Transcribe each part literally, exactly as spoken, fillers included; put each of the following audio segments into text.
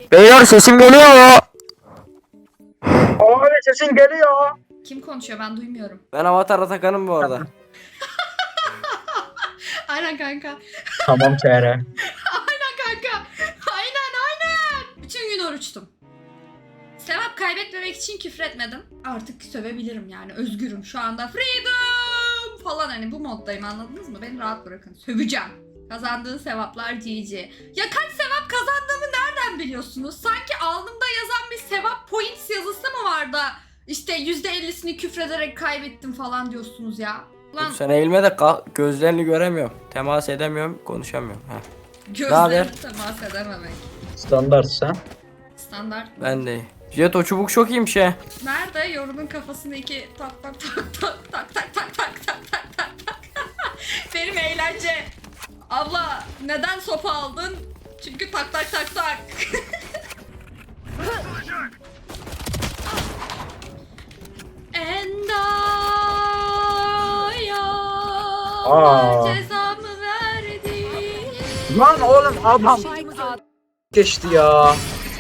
Beyler sesim geliyor mu? Abi sesin geliyor. Kim konuşuyor ben duymuyorum. Ben Avatar Atakan'ım bu arada. Aynen kanka. Tamam T R. Aynen kanka. Aynen aynen. Bütün gün oruçtum. Sevap kaybetmemek için küfretmedim. Artık sövebilirim yani. Özgürüm şu anda. Freedom falan, hani bu moddayım, anladınız mı? Beni rahat bırakın. Söveceğim. Kazandığın sevaplar G G. Ya kaç sevap kazandığımı nereden biliyorsunuz? Sanki alnımda yazan bir sevap points yazısı mı var da işte yüzde ellisini küfrederek kaybettim falan diyorsunuz ya. Lan Sen eğilme de ka- gözlerini göremiyorum. Temas edemiyorum, konuşamıyorum. Heh. gözlerimi temas edememek. Standart sen. Standart. Ben de. Jet o çubuk çok iyiymiş he. Nerede? Yorunun kafasını iki tak tak tak tak tak tak tak tak tak tak tak tak. Benim eğlence. Abla neden sopa aldın? Çünkü tak tak tak tak. Endaya Aa. cezamı verdi. Lan oğlum adam geçti ya.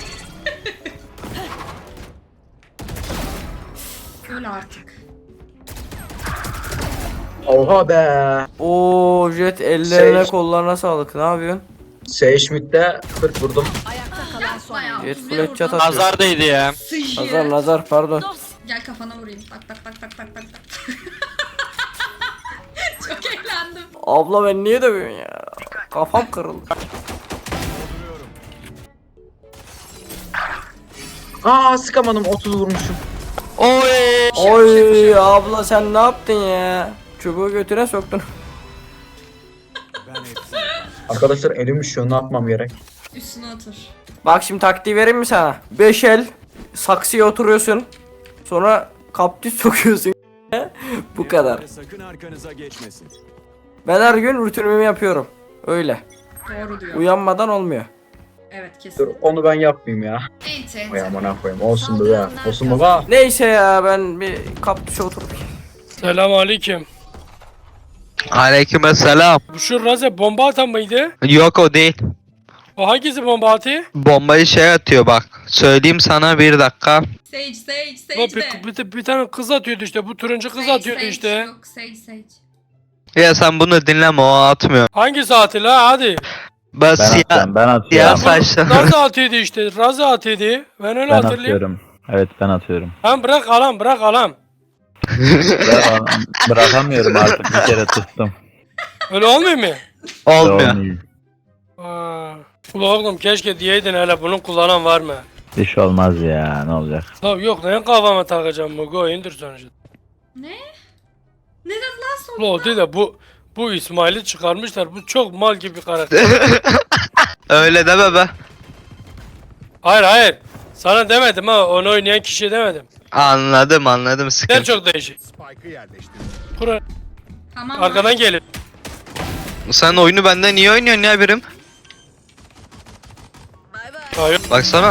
Öl artık. Oha be. Oo Jet ellerine Şey- kollarına sağlık. Ne yapıyorsun? Sage mid'de kırk vurdum. Yapma ya. Jet otuz bir flat chat vurdum. atıyor. Nazar değdi ya. Sıçı. Nazar nazar pardon. Gel kafana vurayım. Tak tak tak tak tak tak tak. Çok eğlendim. Abla ben niye dövüyorsun ya? Kafam kırıldı. Aa sıkamadım, otuz vurmuşum. Oy. Oy abla sen ne yaptın ya? Çubuğu götüne soktun. Arkadaşlar elim üşüyor, ne yapmam gerek? Üstüne otur. Bak şimdi taktiği vereyim mi sana? Beş el saksıya oturuyorsun. Sonra kaptüs sokuyorsun. Bu kadar. Sakın arkanıza geçmesin. Ben her gün rutinimi yapıyorum. Öyle. Doğru diyor. Uyanmadan olmuyor. Evet Dur kesin. onu ben yapmayayım ya. Enti enti. Vay amına koyayım. Olsun bu ya. Olsun baba. Neyse ya ben bir kaptüse oturup. Selamünaleyküm. Aleykümselam. Bu şu Raze bomba atan mıydı? Yok o değil. O hangisi bomba atıyor? Bombayı şey atıyor bak. Söyleyeyim sana bir dakika. Sage Sage O Sage de. bir, bir, bir tane kız atıyordu işte. Bu turuncu kız Sage, atıyordu Sage. işte. Yok Sage Sage. Ya sen bunu dinleme, o atmıyor. Hangi saati la hadi. Ben, Ben siyah, atıyorum, ben siyah atıyorum. saçlı. Raze atıyordu işte. Raze atıyordu. Ben öyle Ben hatırlayayım. atıyorum. Evet ben atıyorum. Lan bırak alam bırak alam. Ben bırakamıyorum artık, bir kere tuttum. Öyle olmuyor mu? Olmuyor. Olmuyor. Aa. Ula oğlum keşke diyeydin hele bunun kullanan var mı? İş olmaz ya, ne olacak? Tabii yok neyin kafama takacağım bu go indir sonucu. Ne? Ne dedi lan sonra? Ula o değil de bu bu İsmail'i çıkarmışlar. Bu çok mal gibi bir karakter. Öyle deme be. Hayır hayır. Sana demedim ha, onu oynayan kişiye demedim. Anladım anladım, Sen sıkıntı. çok değişik. Spike'ı yerleştir. Kur Tamam. arkadan gelin. Sen oyunu benden niye oynuyorsun ya birim? Hayır. Baksana.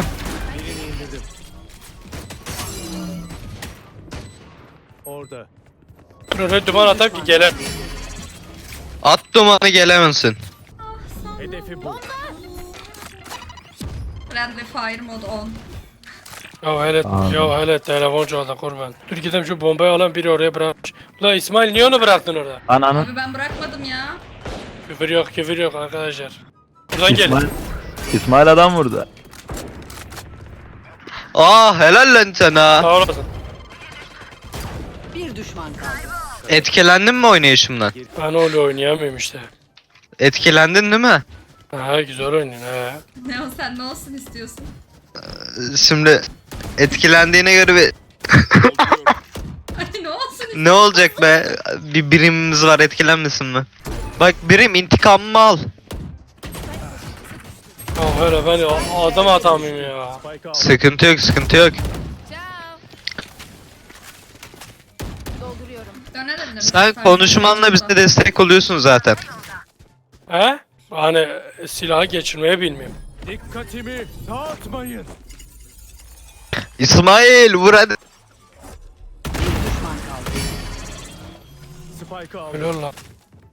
Orada. Kur öyle duman atar ki gelir. At dumanı gelemezsin. Hedefi bu. Friendly fire mode on. Ya hele, Tamam. ya hele telefon çaldı kurban. Dur gidelim şu bombayı alan biri oraya bırakmış. Ulan İsmail niye onu bıraktın orada? Ananı. Abi ben bırakmadım ya. Küfür yok küfür yok arkadaşlar. Buradan gelin. İsmail, İsmail adam vurdu. Aa helal lan sana. Sağ olasın. Etkilendin mi oynayışımdan? Ben öyle oynayamıyorum işte. Etkilendin değil mi? Ha güzel oynuyorsun ha. Ne o, sen ne olsun istiyorsun? Şimdi etkilendiğine göre bir Ay ne olsun istiyorsun? ne olacak be? Bir birimimiz var, etkilenmesin mi? Bak birim intikamımı al. Ya hele ben a- adam atamıyorum ya. Spike'ı al. Sıkıntı yok, sıkıntı yok. Dönelim. Sen konuşmanla bize destek oluyorsun zaten. He? Hani silahı geçirmeye bilmiyorum. Dikkatimi dağıtmayın. İsmail vur hadi. Spike'ı al. Öyle lan.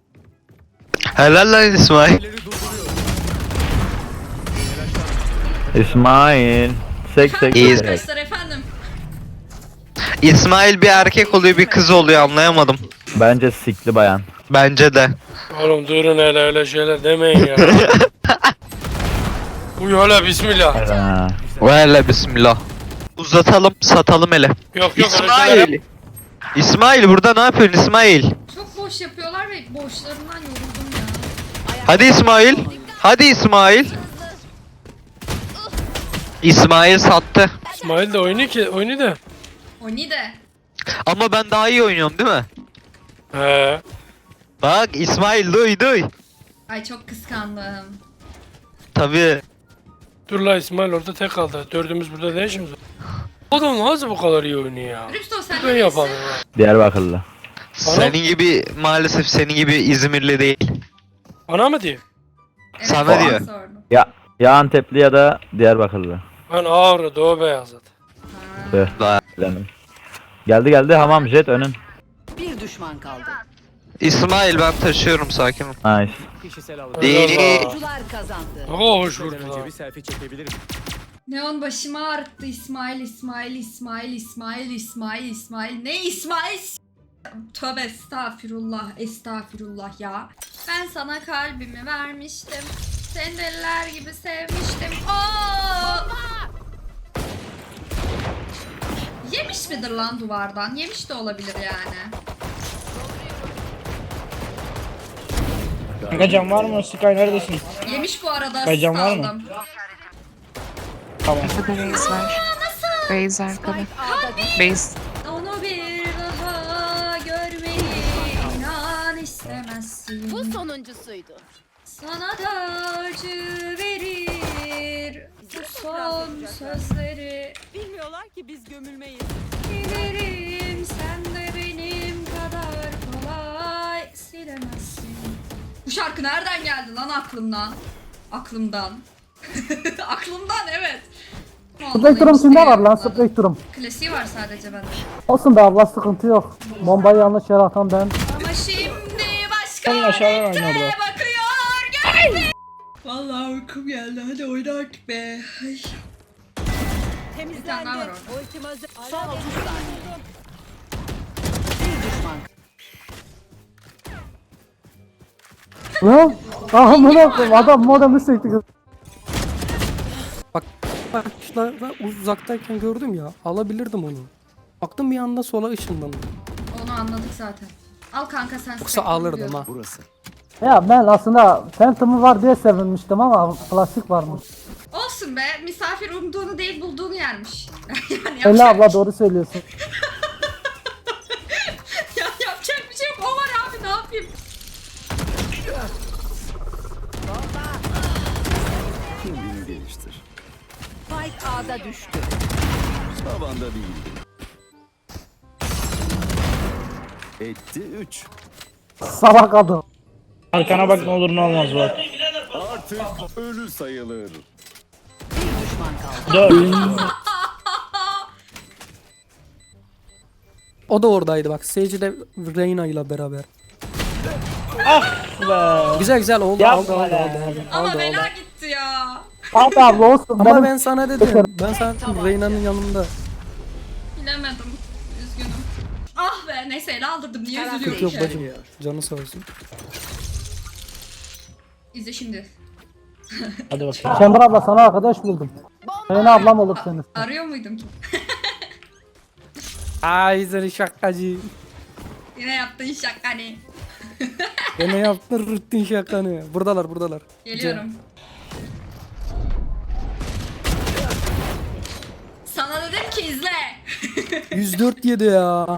Helal lan İsmail. İleri durduruyor. Telaşlanma. İsmail. Sek sek İyi. sek. Arkadaşlar efendim. İsmail bir erkek oluyor bir kız oluyor anlayamadım. Bence sikli bayan. Bence de. Oğlum durun hele öyle şeyler demeyin ya. Uy hele bismillah. Ha. Valla bismillah. Uzatalım satalım hele. Yok yok öyle şeyler yap- İsmail. İsmail burada ne yapıyorsun İsmail? Çok boş yapıyorlar ve boşlarından yoruldum ya. Hadi İsmail. Hadi İsmail. İsmail sattı. İsmail de oyunu ki oyunu da. O ni de. Ama ben daha iyi oynuyorum değil mi? He. Bak İsmail duy duy. Ay çok kıskandım. Tabii. Dur la İsmail orada tek kaldı. Dördümüz burada ne işimiz var? Adam nasıl bu kadar iyi oynuyor ya? Rüpsto sen Ben ne yapalım diyorsun? ha. Diyarbakırlı. Senin gibi maalesef senin gibi İzmirli değil. Bana mı diyor? Evet, Sana ben diyor. sordum. Ya ya Antepli ya da Diyarbakırlı. Ben Ağrı Doğu Beyazıt. Tüh, Daha- bilemedim. Geldi geldi hamam jet önün. Bir düşman kaldı. İsmail ben taşıyorum sakin ol. Nice. Kişisel alan. Değil. Oyuncular kazandı. Oo hoş Gitmeden vurdu önce la. bir selfie çekebilirim. Neon başımı ağrıttı İsmail, İsmail, İsmail, İsmail, İsmail, İsmail. Ne İsmail? Tövbe estağfirullah, estağfirullah ya. Ben sana kalbimi vermiştim. Seni deliler gibi sevmiştim. Oo! Yemiş midir lan duvardan? Yemiş de olabilir yani. Kanka can var mı? Sky neredesin? Yemiş bu arada. Ay, can var mı? saldım. Tamam. Base var. Base arkada. Base. Onu bir daha görmeyi inan istemezsin. Bu sonuncusuydu. Sana da acı verir bu son sözleri. Bilmiyorlar ki biz gömülmeyiz. Bilirim sen de benim kadar kolay silemezsin. Bu şarkı nereden geldi lan aklımdan? Aklımdan. Aklımdan evet. Spektrum kimde var lan Vallahi Spektrum? Klasiği var sadece bende. Olsun be abla sıkıntı yok. Bombayı yanlış yere atan ben. Ama şimdi başka Sen aşağıdan oyna renkte orada. bakıyor gözüm. Vallahi uykum geldi hadi oyna artık be. Ay. Bir tane daha var orada. Ultim hazır. Son otuz saniye. Bir düşman. Lan? Ah amına koyayım adam modemi sekti kız. Başlarda uzaktayken gördüm ya, alabilirdim onu. Baktım bir anda sola ışınlandı. Onu anladık zaten. Al kanka sen Yoksa Spectrum alırdım diyordun. ha. Burası. Ya ben aslında Phantom'u var diye sevinmiştim ama plastik varmış. Olsun be misafir umduğunu değil bulduğunu yermiş. yani Öyle yapacak, abla doğru söylüyorsun. ya, yapacak bir şey yok o var abi ne yapayım. Kendini geliştir. Spike A'da düştü. Tavanda değildi. Etti üç. Salak adam. Arkana bak ne olur ne olmaz bak. Artık ölü sayılır. Bir düşman kaldı. O da oradaydı bak. Sage de Reyna ile beraber. Be. Güzel güzel oldu Yapma oldu oldu be. oldu oldu. Ama oldu, bela oldu. gitti ya. Abi abla olsun. Ama benim... ben sana dedim. Ben sana dedim Reyna'nın yanında. Bilemedim. Üzgünüm. Ah be neyse ele aldırdım niye Taraf üzülüyorum Yok ki? bacım. Canı sağ olsun. İzle şimdi. Hadi bakalım. Chamber abla sana arkadaş buldum. Reyna ablam olur senin. Arıyor muydum ki? Ay seni şakacı. Yine yaptığın şaka hani. Gene yaptın rutin şakanı. Buradalar buradalar. Geliyorum. Sana dedim ki izle. yüz dört yedi ya.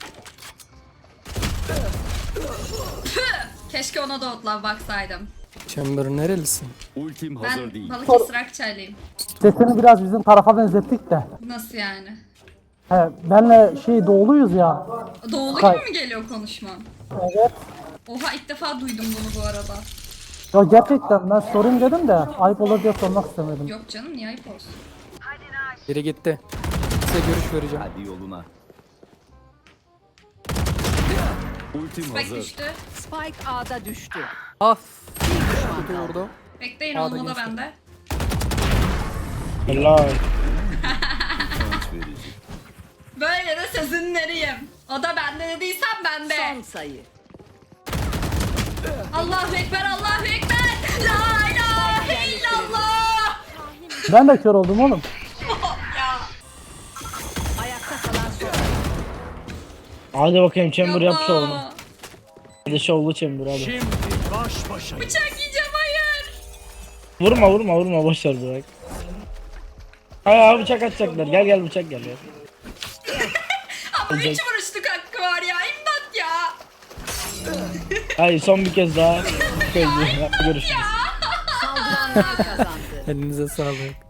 Keşke ona da otlav baksaydım. Chamber nerelisin? Ultim hazır Ben değil. Balıkesir Akçaylıyım. Sesini biraz bizim tarafa benzettik de. Nasıl yani? He, benle şey doğuluyuz ya. Doğulu Kay- gibi mi geliyor konuşman? Evet. Oha ilk defa duydum bunu bu arada. Ya gerçekten ben sorayım dedim de ayıp olur diye sormak istemedim. Yok canım niye ayıp olsun? Biri gitti. Size görüş vereceğim. Hadi yoluna. Ultim Spike hazır. düştü. Spike A'da düştü. Af. Bir düşman Kötü kaldı. vurdu. Bekleyin A'da olmalı geçti. bende. Helal. Böyle de sözünleriyim. O da bende dediysem bende. Son sayı. Allahu Ekber, Allahu Ekber. La ilahe illallah. Ben de kör oldum oğlum. Ya. Ayakta kalan son. Hadi bakayım chamber yap şovunu. yapma. Hadi şovlu chamber hadi. Şimdi baş başa. Bıçak yiyeceğim, hayır. Vurma vurma vurma boşver bırak. Hayır abi bıçak atacaklar. Gel gel bıçak gel ya. Ama üç vuruşluk hakkı var ya. İmdat ya. Hayır son bir kez daha. Görüşürüz. Saldıranlar kazandı. Elinize sağlık.